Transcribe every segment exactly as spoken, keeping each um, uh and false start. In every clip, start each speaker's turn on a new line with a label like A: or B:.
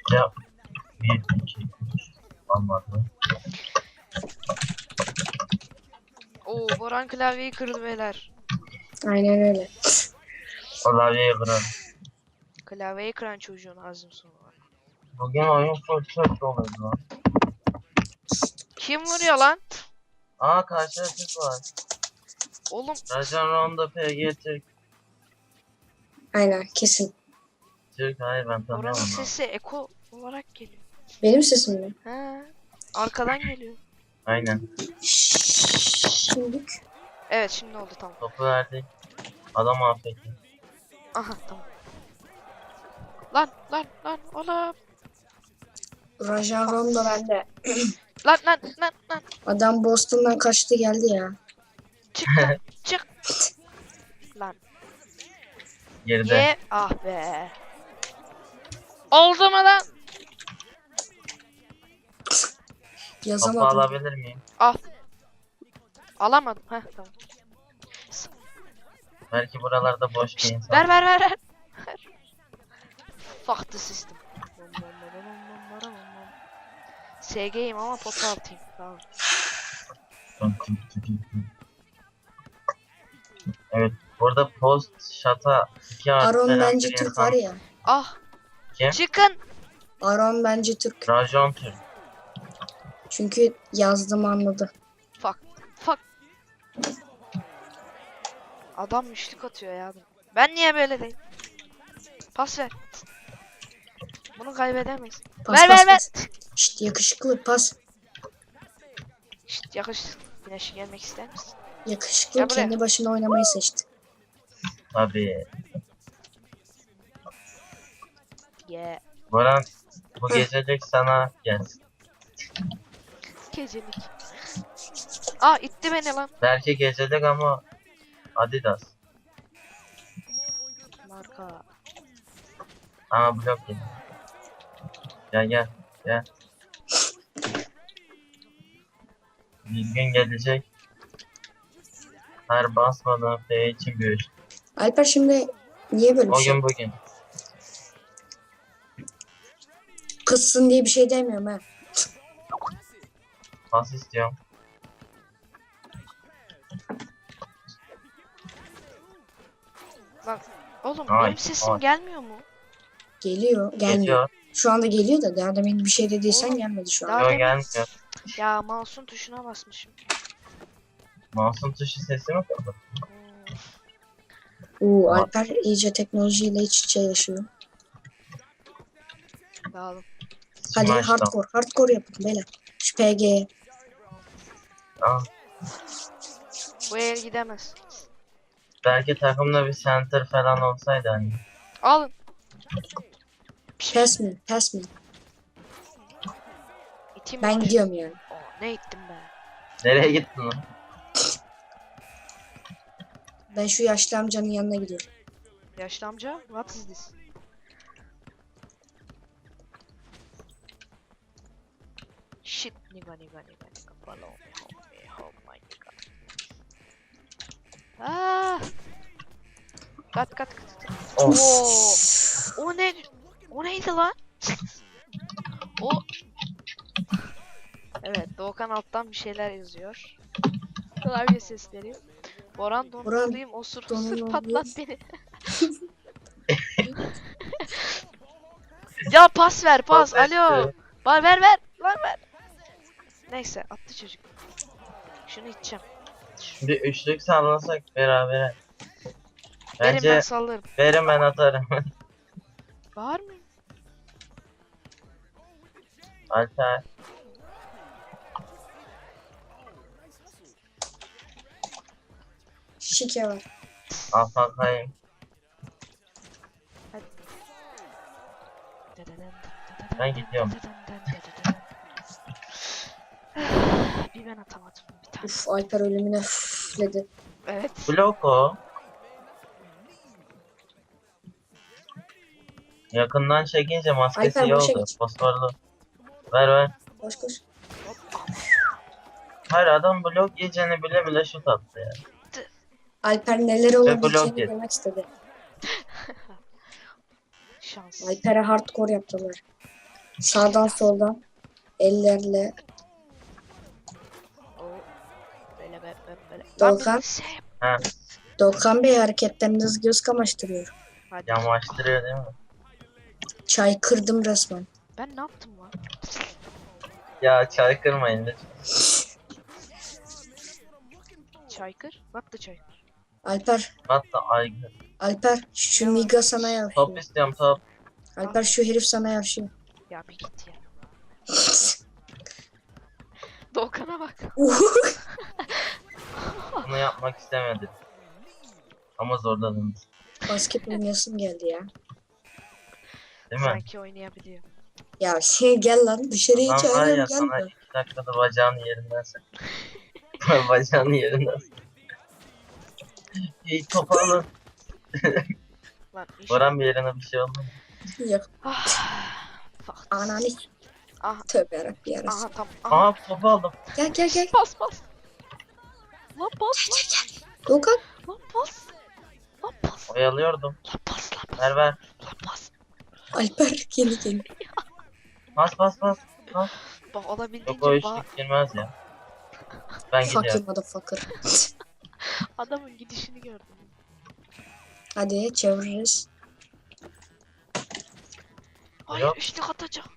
A: Ya bir iki üç olmadı.
B: Oo, Boran klavyeyi kırdı beyler.
C: Aynen öyle.
A: Klavyeyi kırarım.
B: Klavyeyi kıran çocuğun azim sonu var.
A: Bugün oyun full çok doluydu lan.
B: Kim vuruyor lan?
A: Aa karşıda Türk var.
B: Oğlum
A: Rajan Ronda P G Türk.
C: Aynen kesin.
A: Türk hayır ben
B: Boran'ın
A: tanıyorum onu.
B: sesi eko olarak geliyor.
C: Benim sesim mi?
B: He. Arkadan geliyor.
A: Aynen.
C: Şimdilik.
B: Evet şimdi oldu tamam.
A: Topu verdik. Adam afetti.
B: Aha tamam. Lan lan lan oğlum.
C: Rajan Rondo bende.
B: Lan lan lan lan.
C: Adam Boston'dan kaçtı geldi ya.
B: Çık lan çık. Lan.
A: Geride.
B: Ye ah be. Oldu mu lan?
A: Topu
C: Yazamadım.
A: alabilir miyim?
B: Al. Alamadım. Heh tamam.
A: Belki buralarda boş bir
B: Şşt,
A: insan.
B: ver ver ver ver. Ver. Fuck the system. S G'yim ama pota altıyım. Tamam.
A: Evet. Burada post şata iki artı
C: Aron
A: veren
C: bence
A: bir
C: Türk
A: insan.
C: var ya.
B: Ah.
A: Kim?
B: Çıkın.
C: Aron bence Türk.
A: Rajon Türk.
C: Çünkü yazdım anladı.
B: Fuck. Fuck. Adam müşlük atıyor ya. Ben niye böyle değil? Pas ver. Bunu kaybedemeyiz.
C: Pas
B: ver
C: pas
B: ver ver.
C: pas. Şşt yakışıklı pas.
B: Şşt yakış. Güneşe gelmek ister misin?
C: Yakışıklı
B: Gel buraya.
C: kendi başına oynamayı seçti.
A: Tabii.
B: Yeah.
A: Boran bu gecelik sana gelsin.
B: Gecelik. Aa itti beni lan.
A: Belki gecelik ama Adidas.
B: Marka.
A: Aa blok geldi. Gel gel gel. Bir gün gelecek. Her basmadan F için görüş.
C: Alper şimdi niye böyle bir
A: O
C: şey?
A: gün bugün.
C: Kızsın diye bir şey demiyorum ha.
A: Pas istiyorum.
B: Lan oğlum
A: Ay,
B: benim sesim
A: ay.
B: gelmiyor mu?
C: Geliyor. Gelmiyor.
A: Geliyor.
C: Şu anda geliyor da daha demin bir şey dediysen
B: Oğlum,
C: gelmedi şu an.
B: daha
A: Yok
B: demin-
A: gelmiyor.
B: Ya mouse'un tuşuna basmışım.
A: Mouse'un tuşu sesi mi kaldı?
B: Hmm,
C: Oo, Alper iyice teknolojiyle iç içe yaşıyor.
B: dağılım.
C: Hadi
A: Şimdi açtım.
C: hardcore. Hardcore yapın beyler. Şu P G'ye.
A: Aa,
B: Bu el gidemez.
A: belki takımda bir center falan olsaydı hani.
B: Alın.
C: Pass me. Pass me.
B: İtim
C: Ben
B: var.
C: gidiyorum yani.
B: Oo, ne ittim be.
A: Nereye gittin lan?
C: Ben şu yaşlı amcanın yanına gidiyorum.
B: Yaşlı amca, what is this? Shit, nigga, nigga, nigga, nigga, follow me, help me, help my nigga. Ah! Kat kat kat. kat.
A: Of.
B: Oo! O ne? O neydi lan? O. Evet, Doğukan alttan bir şeyler yazıyor. Klavye sesleri. Boran donanlıyım, osur osur
C: donanımlıyım.
B: patlat beni. Ya pas ver pas,
A: Pas
B: alo.
A: etti.
B: Ba ver ver, lan ver. Neyse, attı çocuk. Şunu içeceğim.
A: Bir üçlük sallasak berabere.
B: Verin ben
A: Bence
B: sallarım.
A: verin ben atarım.
B: Var mı?
A: Alper.
C: Şike var.
A: Afakayım. Ben gidiyorum.
B: Bir ben atamadım bir tane.
C: Uf Alper ölümüne üfledi.
B: Evet.
A: Blok o. Yakından çekince maskesi
C: Alper,
A: iyi
C: boşa
A: oldu.
C: geç.
A: Fosforlu. Ver ver.
C: Koş koş.
A: Hayır adam blok yiyeceğini bile bile şut attı ya.
C: Alper neler
A: blok
C: olabileceğini
A: yedi.
C: demek istedi.
B: Şans.
C: Alper'e hardcore yaptılar. Sağdan soldan. Ellerle.
B: O böyle böyle böyle. böyle.
C: Doğukan.
B: Lan bir şey yap-
A: Ha,
C: Doğukan Bey hareketleriniz göz kamaştırıyor.
B: Hadi.
A: yamaçtırıyor değil mi?
C: Çay kırdım resmen.
B: Ben ne yaptım lan?
A: Ya çay kırmayın lütfen.
B: Çaykır. What the çaykır?
C: Alper.
A: Hatta aygır.
C: Alper şu Miga sana
A: Top
C: yavşıyor.
A: istiyorum top.
C: Alper şu herif sana yavşıyor.
B: Ya bir git ya. Doğukan'a bak.
A: Bunu yapmak istemedim. Ama zorladınız.
C: Basket oynayasım geldi ya.
A: Değil mi?
B: Sanki oynayabiliyor.
C: Ya şey gel lan dışarıya
A: Lan var ya
C: çağırıyorum gel
A: sana
C: lan.
A: iki dakikada bacağını yerinden sak. Bacağını yerinden sak. İyi top alın.
B: Lan iş.
A: Boran bir yerine bir şey oldu mu?
C: Yok
B: Ah. Fuck.
C: ananı.
B: Aha.
C: Tövbe yarabbim yarası.
B: Aha tam. Aha.
A: Aha topu aldım.
C: Gel gel gel.
B: Bas bas. Lan bas lan.
C: Doğukan.
B: Lan bas. Lan bas.
A: Oyalıyordum.
B: Lan bas lan bas.
A: Ver ver.
B: Lan bas.
C: Alper kendi kendi.
A: Bas bas bas. Bas.
B: Bak
A: Yok o
B: olabildiğince ba-
A: üçlük girmez ya. Ben
C: Fuck you
A: gidiyorum.
C: motherfucker.
B: adamın gidişini gördüm.
C: Hadi çeviririz.
B: Hayır
A: Yok.
B: üçlük atacağım.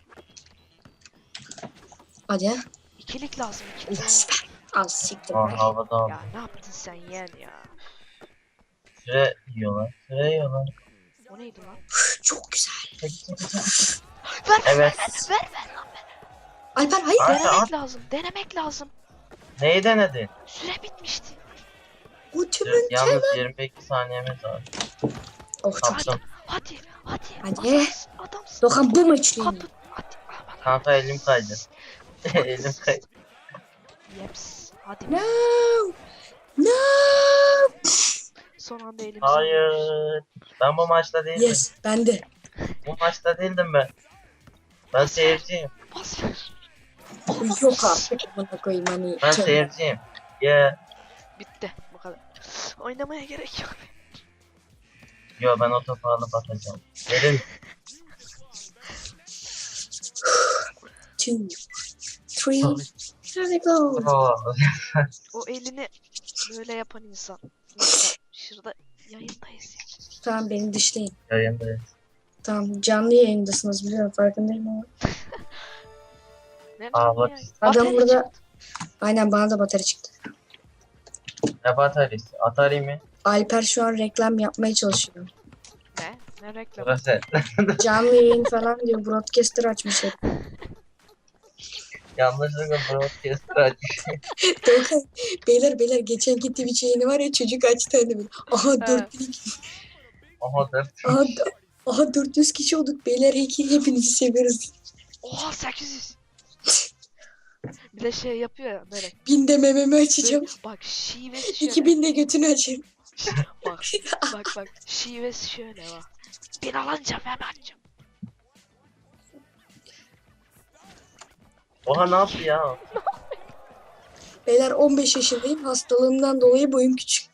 C: Hadi.
B: İkilik lazım
C: Oh,
B: ikilik.
C: süper. Al siktir
A: Aa,
C: be.
A: havada aldım.
B: Ya ne yaptın sen yeğen ya?
A: Süre yiyorlar. Süre yiyorlar.
B: O neydi lan?
C: Çok güzel.
A: Çek, çek, çek.
B: Ver
A: Evet.
B: ver ver ver lan ver.
C: Alper hayır.
A: Ay.
B: Denemek
A: at.
B: lazım. Denemek lazım.
A: Neyi denedin?
B: Süre bitmişti.
C: Ultimate.
A: Yalnız yirmi iki saniyemiz var.
C: Oh çok iyi.
A: Kaptım.
B: Hadi hadi.
C: Hadi.
B: Adamsın. Adamsın.
C: Doğukan bu maçı
B: Kapı. Hadi. Aman.
A: Kanka elim kaydı. Elim kaydı.
B: Yeps. Hadi.
C: No. No.
B: Son anda elimizi
A: Hayır. Ben bu maçta değildim.
C: Yes ben de.
A: Bu maçta değildim ben. Ben seyirciyim.
B: Pas ver.
C: Yok artık buna koyayım hani.
A: Ben
C: Tövbe.
A: seyirciyim. Yeah.
B: Bitti. Bu kadar. Oynamaya gerek yok.
A: Yo ben o topu alıp atacağım. Verin.
C: Two. Three. Here we go.
A: Oo.
B: O elini böyle yapan insan. Neyse, şurada yayındayız ya.
C: Tamam beni dışlayın.
A: Yayındayız.
C: Tamam canlı yayındasınız biliyorum farkındayım ama.
B: Nereden
A: Aa, bak
B: ya?
A: işte.
C: Adam
B: Batarya
C: burada-
B: çıktı.
C: Aynen bana da batarya çıktı.
A: Ne batarisi? Atari mi?
C: Alper şu an reklam yapmaya çalışıyor.
B: Ne? Ne reklam?
A: Burası.
C: Canlı yayın falan diyor. Broadcaster açmış hep.
A: Yanlışlıkla broadcaster açmış.
C: Doğukan, beyler beyler geçenki Twitch yayını var ya çocuk açtı hani böyle. Aha dört bin
A: Oha dört.
C: aha, da- aha dört yüz kişi olduk beyler iki hepinizi seviyoruz.
B: Oha sekiz yüz. Bir de şey yapıyor ya böyle.
C: bin de mememi açacağım.
B: Bak şivesi şöyle.
C: iki bin de götünü açayım.
B: Bak bak bak şivesi şöyle bak. Bir alınca ben açacağım.
A: Oha ne yaptı ya?
C: Beyler on beş yaşındayım hastalığımdan dolayı boyum küçük.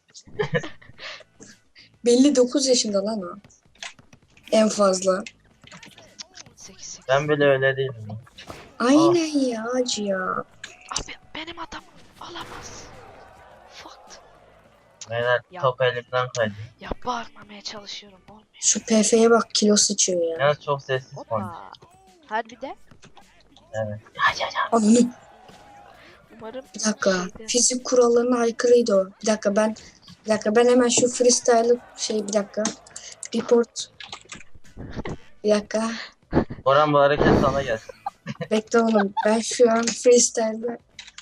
C: Belli dokuz yaşında lan o. En fazla.
B: sekiz sekiz.
A: Ben bile öyle değilim. ya.
C: Aynen ya acı ya.
B: Abi benim adam alamaz. Fucked.
A: Beyler
B: Ya.
A: top elimden kaydı.
B: Ya bağırmamaya çalışıyorum olmuyor.
C: Şu P F'ye bak kilo sıçıyor ya.
A: Yalnız çok sessiz konuş.
B: Hoppa. Harbi de
A: Evet.
C: Ananı.
B: umarım
C: Bir dakika.
B: şeyde-
C: Fizik kurallarına aykırıydı o. Bir dakika ben bir dakika ben hemen şu freestyle'ı şey bir dakika. Report. Bir dakika.
A: Boran bu hareket sana gelsin.
C: Bekle oğlum. Ben şu an freestyle'da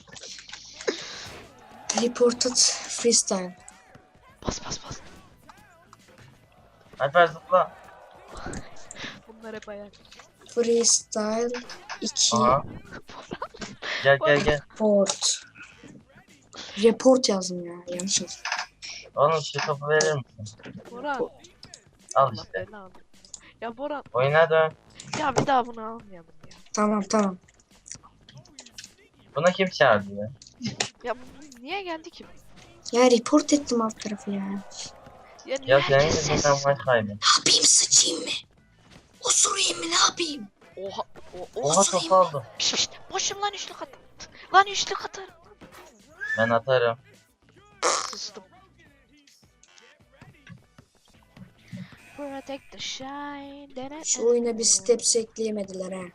C: reported freestyle.
B: Bas bas bas.
A: Alper zıpla.
B: Bunlar hep ayak.
C: Freestyle iki
A: Aha. Gel gel gel.
C: report. Report yazdım ya. Yanlış yazdım.
A: Oğlum şu topu verir misin?
B: Boran.
A: Al
B: Allah
A: işte.
B: belanı. Ya Boran.
A: Oyuna dön.
B: Ya bir daha bunu almayalım ya.
C: Tamam tamam.
A: Buna kim çağırdı ya?
B: Ya bu niye geldi ki?
C: Ya report ettim alt tarafı ya.
B: Ya niye
A: Ya senin
B: herkes
A: yüzünden
B: sessiz?
A: maç kaybı.
C: Ne yapayım sıçayım mı? Osurayım mı ne yapayım?
B: Oha. O,
A: Oha
B: o
A: topu aldım.
B: Piş piş. Boşum lan üçlük at. Lan üçlük atarım.
A: Ben atarım.
B: Sustum. Protect the shine.
C: Şu oyuna bir steps ekleyemediler ha.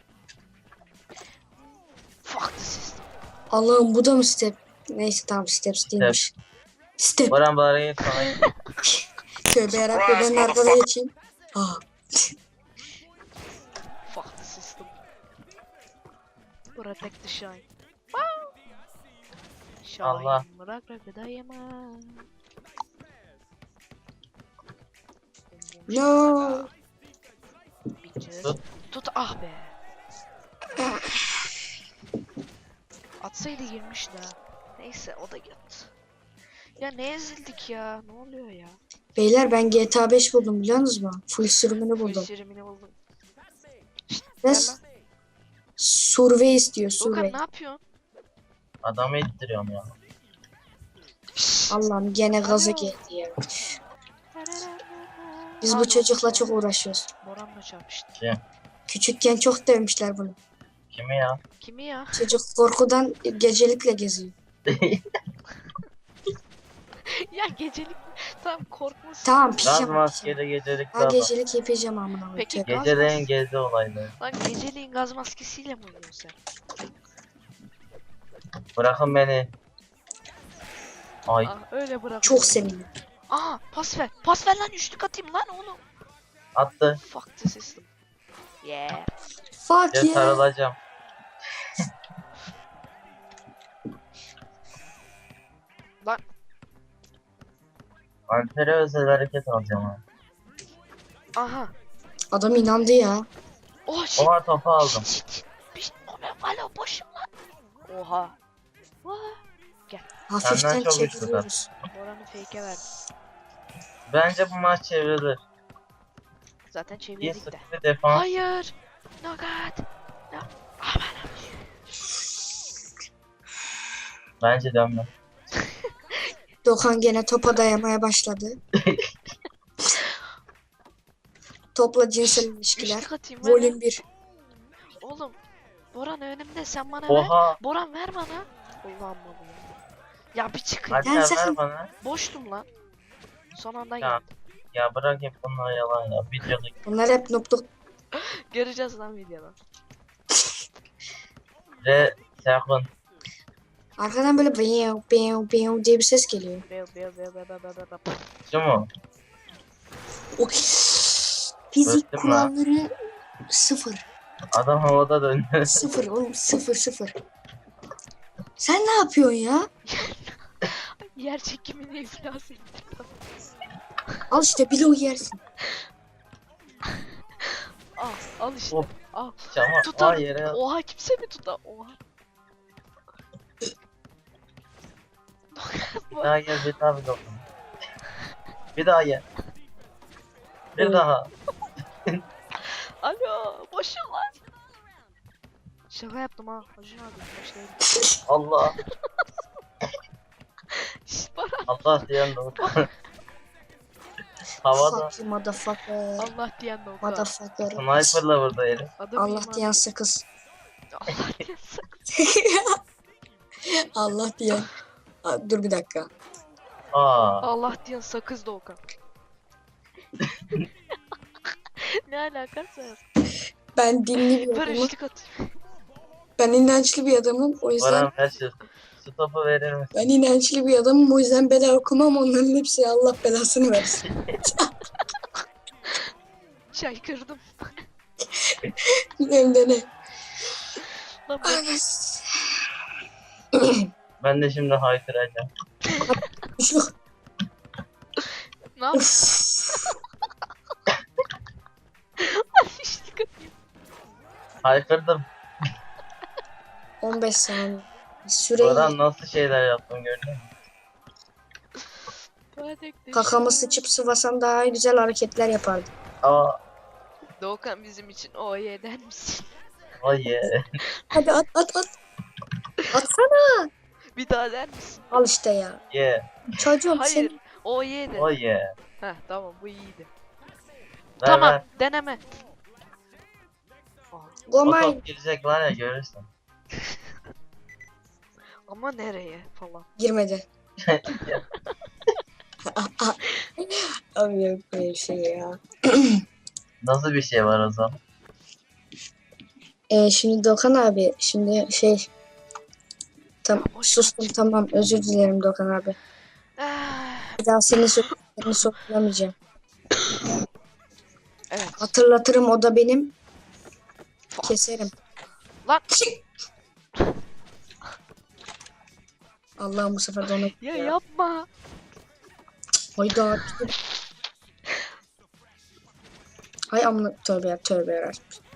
B: Fuck the system.
C: Allah'ım bu da mı step? Neyse tamam steps değilmiş. Step.
A: Baran bari sana
C: Tövbe yarabbim ben arkada geçeyim. Aa.
B: Fuck the system. Protect the shine. Shine.
A: Allah.
B: Bırak bırak dayama.
C: No.
B: Bitches.
A: Tut.
B: Tut ah be. Atsaydı girmiş de. Neyse o da gitti. Ya ne ezildik ya? Ne oluyor ya?
C: Beyler ben G T A beş buldum biliyor musunuz? Full sürümünü buldum.
B: Sürümünü buldum.
C: Ne?
B: Gel lan.
C: Survey istiyor
B: Dokan
C: survey.
B: ne yapıyorsun?
A: adamı ittiriyorum ya.
C: Allah'ım gene gaza
B: Alo.
C: geldi ya. Biz bu
B: Pardon.
C: çocukla çok uğraşıyoruz.
B: Boran'la çarpıştı.
A: Kim?
C: Küçükken çok dövmüşler bunu.
A: Kimi ya?
B: Kimi ya?
C: Çocuk korkudan gecelikle geziyor.
B: Ya gecelik tamam korkmasın.
C: Tamam
A: Gaz
C: pijama. pijama.
A: maskeli gecelik
C: Ha
A: adam.
C: gecelik yapacağım amına koyayım.
B: Peki.
C: Tövbe.
A: Geceleyin gezi olayları.
B: Lan geceliğin gaz maskesiyle mi uyuyorsun sen?
A: Bırakın beni. Ay
B: Ah öyle bırak.
C: Çok sevindim.
B: Aa pas ver. Pas ver lan üçlük atayım lan oğlum.
A: attı.
B: Fuck the system. Yeah.
C: Fuck
A: Ya
C: yeah.
A: sarılacağım.
B: Lan
A: Alper'e özel hareket alacağım ha.
B: aha.
C: Adam inandı ya.
B: Oh shit.
A: Oha topu aldım.
B: Shit, shit. Piş, o ben alo boşum lan. Oha. Vah.
C: Hafiften
A: Senden çok güçlü
C: çeviriyoruz.
B: Boran'ı fake'e verdim.
A: Bence bu maç çevrilir.
B: Zaten
A: Bir
B: çevirdik de.
A: sıfır defans.
B: Hayır. No god. No. Aman
A: Bence dönme.
C: Dokan gene topa dayamaya başladı. Topla cinsel ilişkiler.
B: üçlük atayım ver.
C: Volüm bir.
B: Oğlum. Boran önümde sen bana ver.
A: Oha.
B: Boran ver bana. Ulan bana ya. Ya bir çıkın.
A: Alper
C: Gel sakın.
A: ver bana.
B: Boştum lan. Son anda
A: Ya.
B: geldi.
A: Ya bırak hep bunları yalan ya. Videoda
C: Bunlar hep nupluk.
B: Göreceğiz lan videoda.
A: re sakın.
C: Arkadan böyle beyav beyav beyav diye bir ses geliyor.
B: Beo beo beo beo beo beo beo.
A: Şu mu?
C: O fizik
A: Öptüm
C: kuralları sıfır.
A: Adam havada döndü.
C: Sıfır oğlum sıfır sıfır. Sen ne yapıyorsun ya?
B: Yer çekimini iflas ettim.
C: Al işte bloğu yersin.
B: Al al işte.
A: Hop.
B: Al.
A: Ama
B: Tutar.
A: aa yere
B: Oha kimse mi tutar? Oha.
A: bir daha gel bir daha bir dokun. Bir daha gel. Bir
C: Oo.
A: daha.
B: Alo boşum lan. Şaka yaptım ha. Hacı abi boş değil.
A: Allah.
B: Şşt bana.
A: Allah diyen dokun. Havada.
C: Fuck you motherfucker.
B: Allah diyen de o kadar.
C: Motherfucker.
A: Sniper'la vurdu herif.
B: Adam
C: Allah
B: iman-
C: diyen sakız.
B: Allah diyen sakın.
C: Allah diyen. Aa, dur bir dakika.
A: Aa.
B: Allah diyen sakız Doğukan. Ne alakası var?
C: Ben dinli bir
B: Ver
C: adamım.
B: üçlük atayım.
C: Ben inançlı bir adamım. O yüzden
A: Baran ver şu stopu verir misin?
C: ben inançlı bir adamım. O yüzden bela okumam. Onların hepsi Allah belasını versin.
B: Çay kırdım.
C: Hem de ne?
B: Lan ben
C: Anas.
A: Ben de şimdi haykıracağım.
C: Üçlük.
B: ne yapayım?
C: Uf.
B: Üçlük atayım.
A: Haykırdım.
C: on beş saniye. Süreyi
A: Baran nasıl şeyler yaptın gördün mü?
C: kakamı sıçıp sıvasam daha güzel hareketler yapardım.
A: Aa.
B: Doğukan bizim için o ye der misin?
A: Ay ye.
C: Hadi at at at. Atsana.
B: Bir daha der misin?
C: Al işte ya.
A: Ye.
C: Çocuğum
B: Hayır.
C: sen
B: O ye de.
A: Ay ye.
B: Heh tamam bu iyiydi.
A: Ver
B: Tamam
A: ver.
B: deneme. Aa,
C: Go
A: O
C: mine.
A: top girecek var ya, görürsün.
B: Ama nereye falan.
C: Girmedi. Abi yok böyle bir şey ya.
A: Nasıl bir şey var o zaman?
C: Ee, şimdi Dokan abi şimdi şey tam
B: Ya boş
C: sustum tamam özür dilerim Dokan abi.
B: Ah,
C: Bir daha seni so- seni sorgulamayacağım.
B: evet.
C: Hatırlatırım o da benim. Keserim.
B: Lan
C: Allah'ım bu sefer de onu
B: ya yapma.
C: Hayda. Hay amına tövbe ya tövbe ya.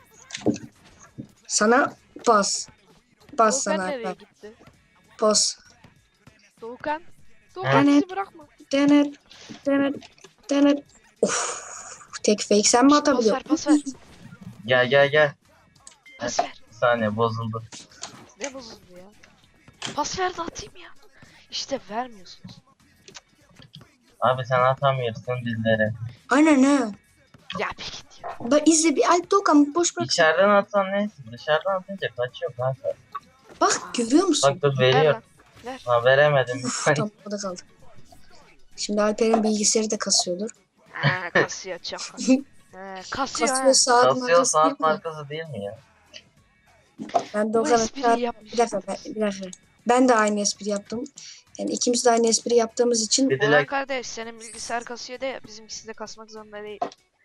C: Sana pas. Pas
B: Doğukan
C: sana
B: nereye
C: Alper.
B: gitti?
C: Pas.
B: Doğukan. Doğukan
C: Evet.
B: bizi bırakma.
C: Dener. Dener. Dener. Of. Tek fake sen mi
B: Pas ver
C: atabiliyorsun?
B: pas ver.
A: Gel gel gel.
B: Pas ver.
A: Bir saniye, bozuldu.
B: Ne bozuldu ya? Pas ver de atayım ya. İşte vermiyorsunuz.
A: Abi sen atamıyorsun bizlere.
C: Aynen ha.
B: Ya bir git ya.
C: Bak izle bir Alp Doğukan boş bırak.
A: İçeriden atsan neyse. Dışarıdan atınca kaçıyor kanka.
C: Bak görüyor musun?
A: Bak dur,
B: Ver
A: veriyor.
B: lan. Ver.
A: Ha, veremedim.
C: Uf, tam o da kaldı. Şimdi Alper'in bilgisayarı da kasıyordur.
B: Ha kasıyor çok. Ha, kasıyor
C: Kasıyor
B: ha.
C: saat
A: Kasıyor,
C: markası değil
A: saat
C: mi?
A: markası değil mi ya?
C: Ben
B: Bu
C: Doğukan'a
B: espriyi yapmış.
C: bir dakika, ben, bir dakika. Ben de aynı espri yaptım. Yani ikimiz de aynı espri yaptığımız için
A: Bir
B: Orhan
A: dilek.
B: kardeş senin bilgisayar kasıyor de bizimkisi de kasmak zorunda değil.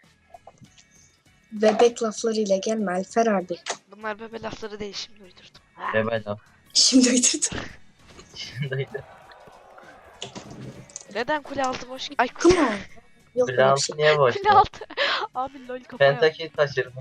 C: bebek laflarıyla gelme Alper abi.
B: Bunlar bebe lafları değil şimdi uydurdum. Ha.
A: Bebe laf.
C: Şimdi uydurdum.
A: Şimdiydi.
B: Neden kule altı boş? Ay
C: Come
B: kule,
C: on. Yok
A: Kule
C: böyle bir
A: altı
C: şey.
A: niye boş?
B: kule altı. Abi lol kafaya.
A: Pentakill taşırdım.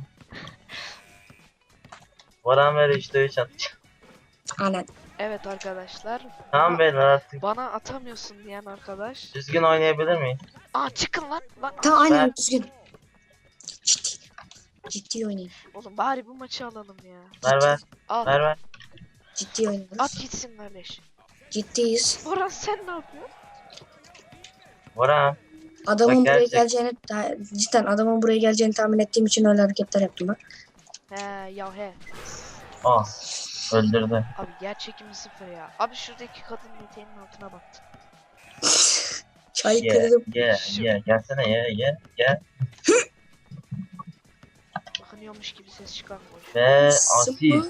A: Varan ver üçte üç atacağım.
C: Aynen.
B: Evet arkadaşlar.
A: Tamam
B: Bana,
A: beyler artık.
B: bana atamıyorsun diyen arkadaş.
A: Düzgün oynayabilir miyim?
B: Aa çıkın lan. Lan
C: Tamam aynen
A: Ben-
C: düzgün. Ciddi. Ciddi oynayın.
B: oğlum bari bu maçı alalım ya.
A: Ver ver.
B: Al.
A: Ver ver.
C: Ciddi oynayın.
B: At gitsin kardeş.
C: Ciddiyiz.
B: Boran sen ne yapıyorsun?
A: Varan.
C: Adamın
A: Bak
C: buraya
A: gerçek.
C: geleceğini ta- cidden adamın buraya geleceğini tahmin ettiğim için öyle hareketler yaptım bak.
B: He ya he.
A: Aa. Öldürdü.
B: Abi yer çekimi sıfır ya. Abi şuradaki kadının eteğinin altına baktım.
C: Çay
A: Ye
C: kırdım.
A: ye ye. Gelsene ye ye. Gel.
B: Bakınıyormuş gibi ses çıkarmıyor.
A: Ve asil.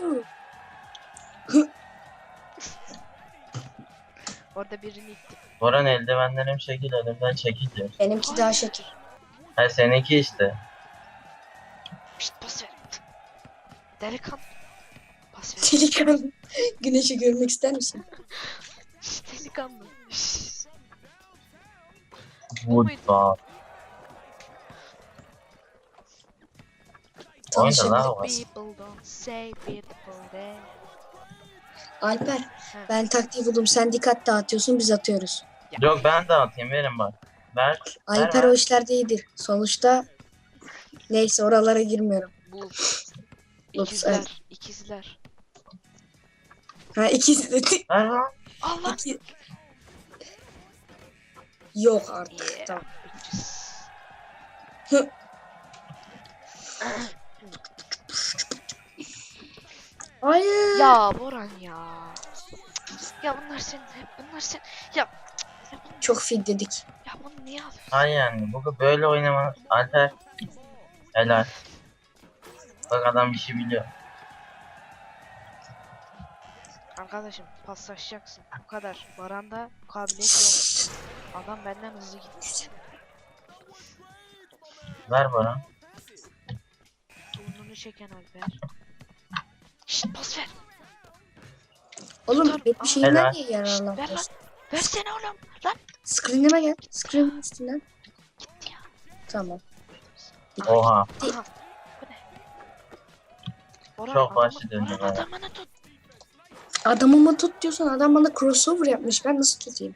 B: Orada birini ittim.
A: Varan eldivenlerim şekil, önümden çekil diyor.
C: Benimki daha şekil.
A: Ha, seninki işte.
B: Şşt pas ver. Delikanlı. Pas ver.
C: Delikanlı. Güneşi görmek ister misin?
B: Şşt delikanlı. Şşt.
A: Woodball. Oyna
C: Tanışalım.
A: lan o.
B: People don't say beautiful day.
C: Alper ben taktiği buldum. Sen dikkat dağıtıyorsun biz atıyoruz.
A: Yok, ben de atayım, verin bak. Ver.
C: Alper
A: ver.
C: o işlerde iyidir. Sonuçta neyse oralara girmiyorum.
B: Bu.
C: Ups,
B: İkizler.
C: evet.
B: İkizler.
C: Ha ikisi de
A: Ver lan.
B: Allah.
C: iki... Yok artık.
B: Yeah.
C: Tamam.
B: bitches.
C: Hı. Hayır.
B: Ya Boran ya. Ya bunlar senin hep bunlar sen. Ya. Ya bunu,
C: Çok fil dedik.
B: ya bunu niye alıyorsun?
A: Hayır yani. Bu böyle oynama. Alper. Helal. Bak adam işi biliyor.
B: Arkadaşım paslaşacaksın. Bu kadar. Baranda kabiliyet yok. Adam benden hızlı gitti.
A: Ver bana.
B: Burnunu çeken Alper. Şşt pas ver.
C: Oğlum
B: Tutar-
C: hep bir şeyinden
A: Helal.
C: niye
B: Ver lan.
C: yararlanmıyorsun?
B: Versene oğlum. Lan.
C: Screen'ime gel. Screen'in üstünden.
B: Gitti ya.
C: Tamam.
A: Oha.
B: Aha. Bu ne? Boran,
A: Çok
B: adamı-
A: başlı döndü
B: Boran
A: be.
B: adamını tut.
C: Adamımı tut diyorsan adam bana crossover yapmış. Ben nasıl tutayım?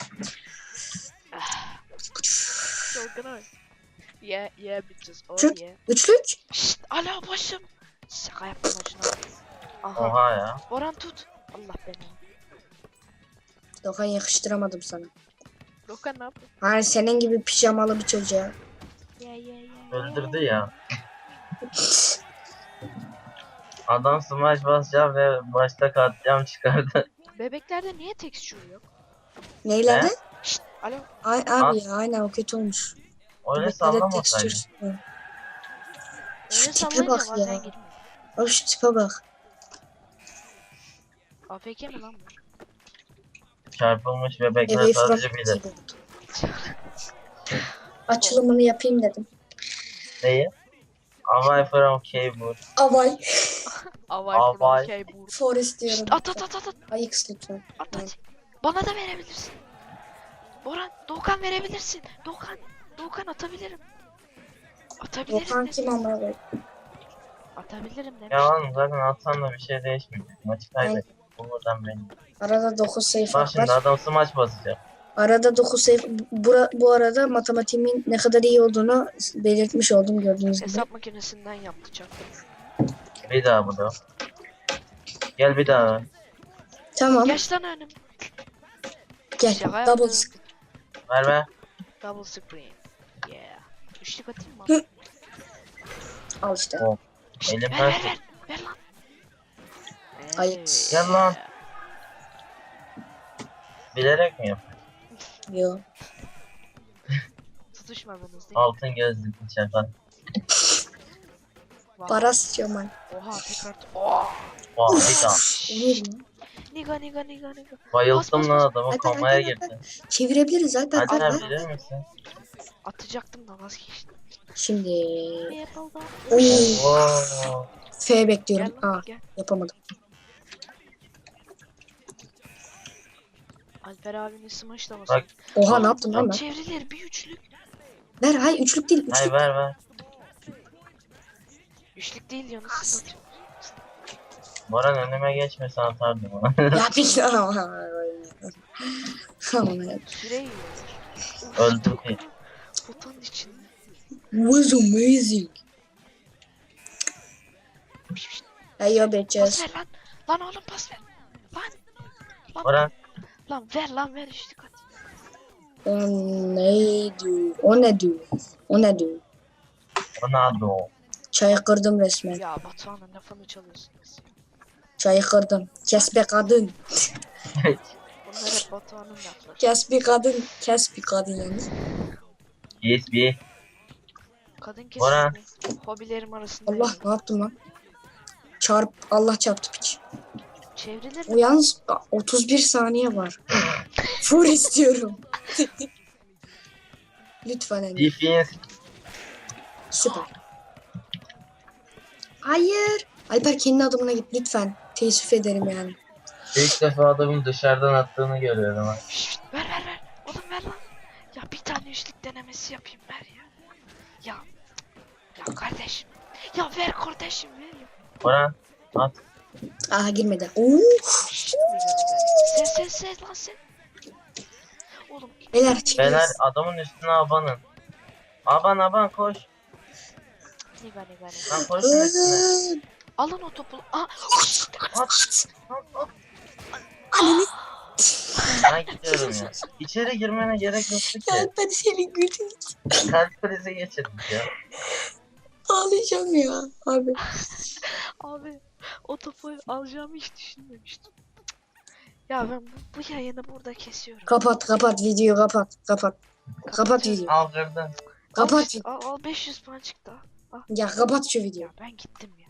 B: Çılgın. Yeah yeah bitches. Oh
C: Şut.
B: yeah.
C: Üçlük.
B: Şşt alo başım. Şaka yaptım başına. Aha.
A: Oha ya.
B: Boran tut. Allah beni.
C: Dokan yakıştıramadım sana.
B: Dokan ne yapıyor?
C: Hani senin gibi pijamalı bir çocuğa.
B: Yeah yeah yeah.
A: Öldürdü ya. Adam smash basacağım ve başta katliam çıkardı.
B: Bebeklerde niye texture yok?
C: Neylerde?
B: Şşt, alo.
C: Ay abi ya aynen o kötü olmuş.
A: Öyle
C: Bebeklerde
A: sallamasaydın.
C: texture.
B: Öyle
C: Şu tipe
B: sallayınca
C: bak
B: bazen
C: ya.
B: girmiyor.
C: Abi şu tipe bak.
B: A F K mi lan bu?
A: Çarpılmış bebekler
C: Away from
A: sadece bilir.
C: keyboard. Açılımını yapayım dedim.
A: Neyi? Away from keyboard.
C: Avay.
B: Avay
A: Avay.
B: from keyboard.
C: Forest diyorum.
B: Şşt, at at at at at.
C: Ayıks lütfen.
B: At at. Bana da verebilirsin. Boran, Doğukan verebilirsin. Doğukan, Doğukan atabilirim. Atabilirim
C: Volkan
B: dedim.
C: kim ama be?
B: Atabilirim demiş.
A: Ya oğlum zaten atsan da bir şey değişmeyecek. Maçı kaybettik. Bu buradan benim.
C: Arada dokuz sayfa
A: Bak şimdi
C: var.
A: adam smaç basacak.
C: Arada dokuz sayfa. Bura, bu arada matematiğimin ne kadar iyi olduğunu belirtmiş oldum gördüğünüz gibi.
B: Hesap makinesinden yaptı çaktım.
A: Bir daha bu da. Gel bir daha.
C: Tamam
B: Geç lan önüm.
C: gel.
B: Şaka
C: Double
B: yaptım.
C: screen.
A: Ver ver.
B: Double screen. Yeah. Üçlük atayım mı?
C: Hı. Al işte.
A: Oh.
B: Şşt,
A: Elim
B: ver ver
A: ters.
B: ver. Ver lan.
C: Ayıp.
B: Ee,
A: Gel lan. Bilerek mi yap?
C: Yo.
B: Tutuşmadınız değil mi?
A: Altın gözlüklü çakal.
B: Vay.
C: Para sıçıyorum ben.
B: Oha tekrar. Oh.
A: Vay bir daha.
C: Olur mu?
B: Niga niga niga niga.
A: Bayılttım
B: Bas, bas,
A: lan
B: bas.
A: adamı
C: Hadi,
A: komaya
C: hadi,
A: girdi.
C: Çevirebiliriz Alper.
A: Hadi
C: Alper.
A: sen bilir misin?
B: Atacaktım da vazgeçtim.
C: Şimdi.
B: Apple'dan.
C: Oo.
A: Oo.
C: F bekliyorum.
B: Gel lan
C: Aa
B: gel.
C: yapamadım.
B: Alper abinin smash da
A: Bak.
B: basın.
C: Oha ne yaptım lan ben?
B: Çevrilir bir üçlük.
C: Ver hayır üçlük değil.
A: Hay
C: Üçlük.
A: ver ver.
B: Üçlük değil ya nasıl atıyor?
A: Boran önüme geçmesen atardım ona.
C: Ya bir Aman ya.
B: Süre yiyor.
A: Öldüm ki.
B: Botanın içinde.
C: Was amazing. Hey yo
B: Pas
C: bitches.
B: ver lan. Lan oğlum pas ver. Lan. Lan,
A: Boran
B: lan ver lan ver üçlük at.
C: O ne diyor? O ne diyor? O ne diyor?
A: Ronaldo.
C: Çayı kırdım resmen.
B: Ya Batuhan'ın lafını çalıyorsunuz.
C: Çayı kırdım. Kes be kadın.
B: Bunlar hep Batuhan'ın lafları.
C: Kes bir kadın. Kes bir kadın yalnız.
A: Yes bir.
B: Kadın
A: Bora.
B: kesinlikle hobilerim arasında.
C: Allah
B: yani.
C: ne yaptım lan? Çarp. Allah çarptı piç.
B: Çevrilir
C: O
B: mi?
C: yalnız a, otuz bir saniye var. Full istiyorum. Lütfen Emre.
A: Defense.
C: Süper. Hayır. Alper kendi adımına git lütfen. Teessüf ederim yani.
A: İlk defa adamın dışarıdan attığını görüyorum ha.
B: Şşt, ver ver ver. Oğlum ver lan. Ya bir tane üçlük denemesi yapayım ver ya. Ya. Ya kardeşim. Ya ver kardeşim ver ya.
A: Boran at.
C: Aha girmedi. Oo.
B: Sen sen sen lan sen. Oğlum. iki
C: Beyler,
B: tane-
C: çık-
A: Beyler adamın üstüne abanın. Aban aban koş.
B: Niga niga niga.
A: Lan koşun üstüne.
B: Alın o topu. Aa.
A: At. At. At.
C: Ananı
A: Ben gidiyorum ya. İçeri girmene gerek yoktu ki.
C: Alper seni güldüm.
A: Kalp krizi geçirdik ya.
C: Ağlayacağım ya abi.
B: Abi o topu alacağımı hiç düşünmemiştim. Ya ben bu, bu yayını burada kesiyorum.
C: Kapat kapat videoyu kapat kapat. Kapat videoyu.
A: Al kırdın.
C: Kapat.
B: Al, al beş yüz puan çıktı. Al.
C: Ya kapat şu videoyu.
B: Ya ben gittim ya.